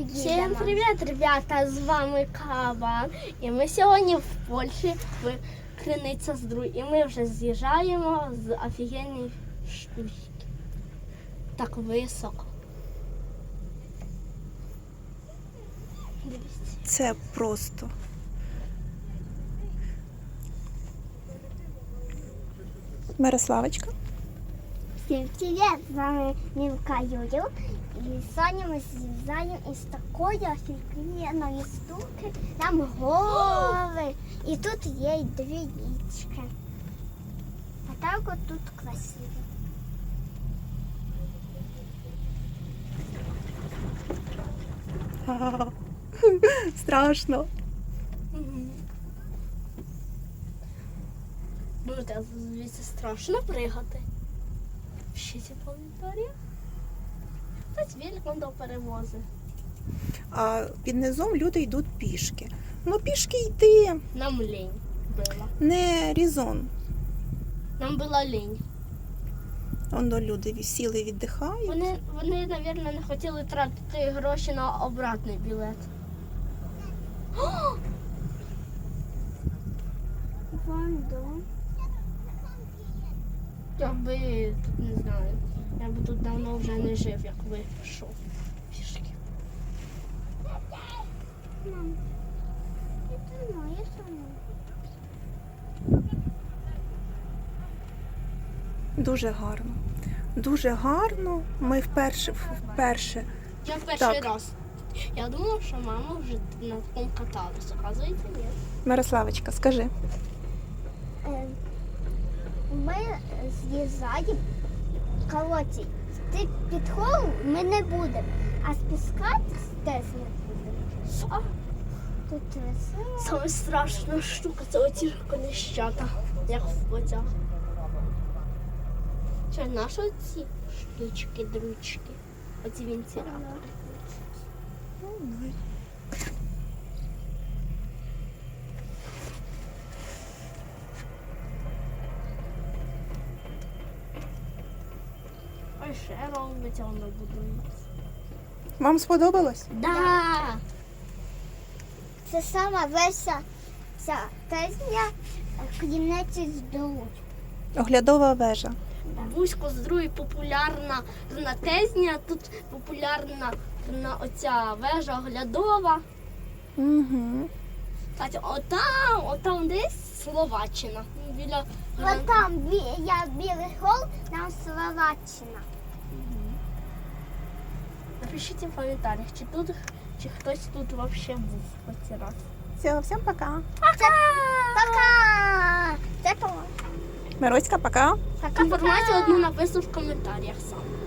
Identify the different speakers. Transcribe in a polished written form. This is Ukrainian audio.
Speaker 1: Всім привіт, ребята! З вами Кабан. І ми сьогодні в Польщі, в Криниця-Здруй. І ми вже з'їжджаємо з офігенної штучки. Так високо. Дивіться.
Speaker 2: Це просто. Мирославочка.
Speaker 3: Всім привіт! З вами Мілка Юрів. І сьогодні ми з'їжджаємо із такої офігенної штуки. Там гори. І тут є й дві річки. А так от тут красиво.
Speaker 2: Страшно.
Speaker 1: Думаєте, звідси страшно пригати? Ще ці планетарії? Хтось великом до перевози.
Speaker 2: А під низом люди йдуть пішки. Ну пішки йти.
Speaker 1: Нам лінь була.
Speaker 2: Не різон.
Speaker 1: Нам була лінь.
Speaker 2: Воно люди сіли, віддихають.
Speaker 1: Вони, мабуть, не хотіли тратити гроші на обратний білет.
Speaker 3: Вон дом.
Speaker 1: Якби, не знаю, я би тут давно вже не жив, як ви пішов пішки.
Speaker 3: Мам, це моє саме.
Speaker 2: Дуже гарно. Дуже гарно. Ми вперше.
Speaker 1: Я перший
Speaker 2: Так.
Speaker 1: раз. Я думала, що мама вже на такому каталася. Оказується, ні.
Speaker 2: Мирославочка, скажи.
Speaker 3: Ми з'їжджаємо. Коротше, йти під холм ми не будемо, а спускатись теж не будемо. Тут весело.
Speaker 1: Саме страшна штука це оці коліщата, як в потяг. Що, наші оці штучки, дручки, оці вентилятори. Ой, ще робиться, воно будується.
Speaker 2: Вам сподобалось?
Speaker 1: Да!
Speaker 3: Це сама веся ця тезня Криниці Здруй.
Speaker 2: Оглядова вежа.
Speaker 1: Бузько з другої популярна тезня, тут популярна оця вежа оглядова.
Speaker 2: Угу.
Speaker 1: Кстати, отам десь Словаччина. Біля
Speaker 3: От там я білий гол, там Словаччина.
Speaker 1: Напишіть в коментарях, чи хтось тут взагалі був хоч раз.
Speaker 2: Все, всім пока.
Speaker 3: Пока! Це по.
Speaker 2: Мироська, пока.
Speaker 3: Пока-пока!
Speaker 1: Інформацію одну напишу в коментарях сам.